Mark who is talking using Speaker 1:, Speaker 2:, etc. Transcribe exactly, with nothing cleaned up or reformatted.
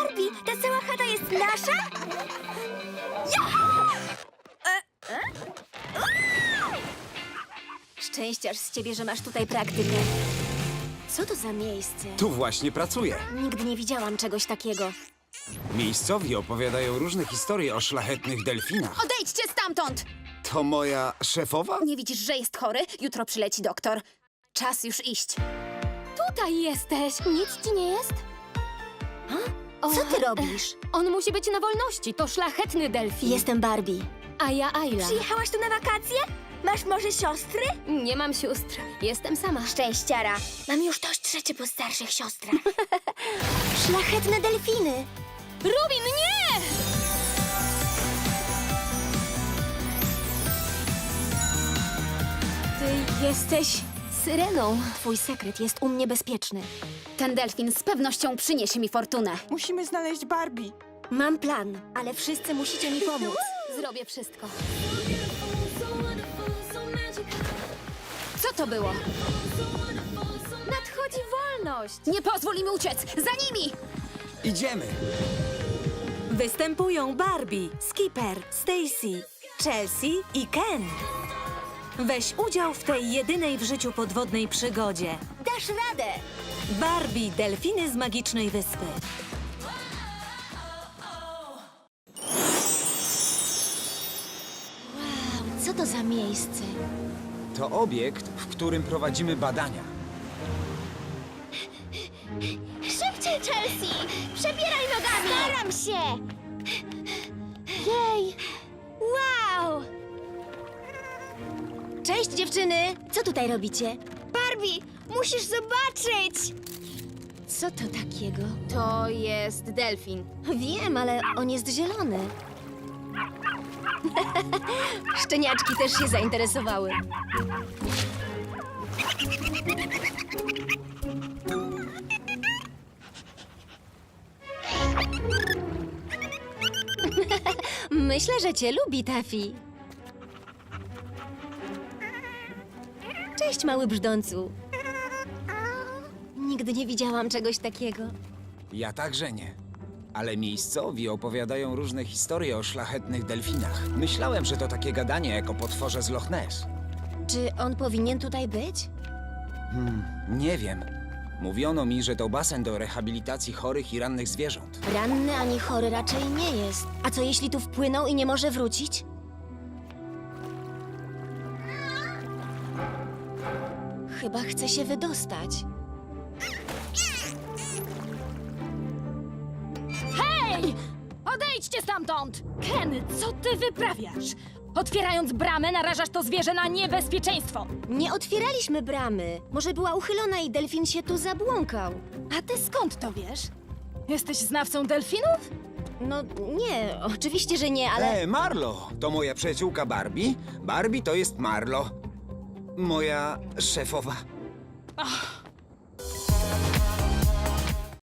Speaker 1: Ruby, ta cała chata jest nasza? Szczęściarz z ciebie, że masz tutaj praktykę. Co to za miejsce?
Speaker 2: Tu właśnie pracuję.
Speaker 1: Nigdy nie widziałam czegoś takiego.
Speaker 2: Miejscowi opowiadają różne historie o szlachetnych delfinach.
Speaker 3: Odejdźcie stamtąd!
Speaker 2: To moja szefowa?
Speaker 3: Nie widzisz, że jest chory? Jutro przyleci doktor. Czas już iść.
Speaker 4: Tutaj jesteś. Nic ci nie jest? O,
Speaker 1: Co ty robisz?
Speaker 4: On musi być na wolności. To szlachetny delfin.
Speaker 1: Jestem Barbie.
Speaker 4: A ja Ayla.
Speaker 1: Przyjechałaś tu na wakacje? Masz może siostry?
Speaker 4: Nie mam sióstr. Jestem sama.
Speaker 1: Szczęściara. Mam już dość trzecie po starszych siostrach. Szlachetne delfiny.
Speaker 4: Rubin, nie!
Speaker 1: Ty jesteś...
Speaker 4: Syreną.
Speaker 1: Twój sekret jest u mnie bezpieczny.
Speaker 3: Ten delfin z pewnością przyniesie mi fortunę.
Speaker 5: Musimy znaleźć Barbie.
Speaker 1: Mam plan, ale wszyscy musicie mi pomóc.
Speaker 4: Zrobię wszystko.
Speaker 3: Co to było?
Speaker 4: Nadchodzi wolność.
Speaker 3: Nie pozwól im uciec! Za nimi!
Speaker 2: Idziemy.
Speaker 6: Występują Barbie, Skipper, Stacy, Chelsea i Ken. Weź udział w tej jedynej w życiu podwodnej przygodzie.
Speaker 1: Dasz radę!
Speaker 6: Barbie, delfiny z magicznej wyspy.
Speaker 1: Wow, co to za miejsce?
Speaker 2: To obiekt, w którym prowadzimy badania.
Speaker 1: Szybciej, Chelsea! Przebieraj nogami! Staram się! Jej! Wow! Cześć, dziewczyny! Co tutaj robicie? Barbie, musisz zobaczyć! Co to takiego?
Speaker 3: To jest delfin.
Speaker 1: Wiem, ale on jest zielony. Szczeniaczki też się zainteresowały. Myślę, że cię lubi, Taffy. Cześć, mały brzdącu. Nigdy nie widziałam czegoś takiego.
Speaker 2: Ja także nie. Ale miejscowi opowiadają różne historie o szlachetnych delfinach. Myślałem, że to takie gadanie jak o potworze z Loch Ness.
Speaker 1: Czy on powinien tutaj być?
Speaker 2: Nie wiem. Mówiono mi, że to basen do rehabilitacji chorych i rannych zwierząt.
Speaker 1: Ranny ani chory raczej nie jest. A co jeśli tu wpłynął i nie może wrócić? Chyba chce się wydostać.
Speaker 4: Hej! Odejdźcie stamtąd! Ken, co ty wyprawiasz? Otwierając bramę, narażasz to zwierzę na niebezpieczeństwo.
Speaker 1: Nie otwieraliśmy bramy. Może była uchylona i delfin się tu zabłąkał.
Speaker 4: A ty skąd to wiesz? Jesteś znawcą delfinów?
Speaker 1: No nie, oczywiście, że nie, ale...
Speaker 2: E, Marlo! To moja przyjaciółka Barbie. Barbie to jest Marlo. Moja szefowa.
Speaker 4: Ach,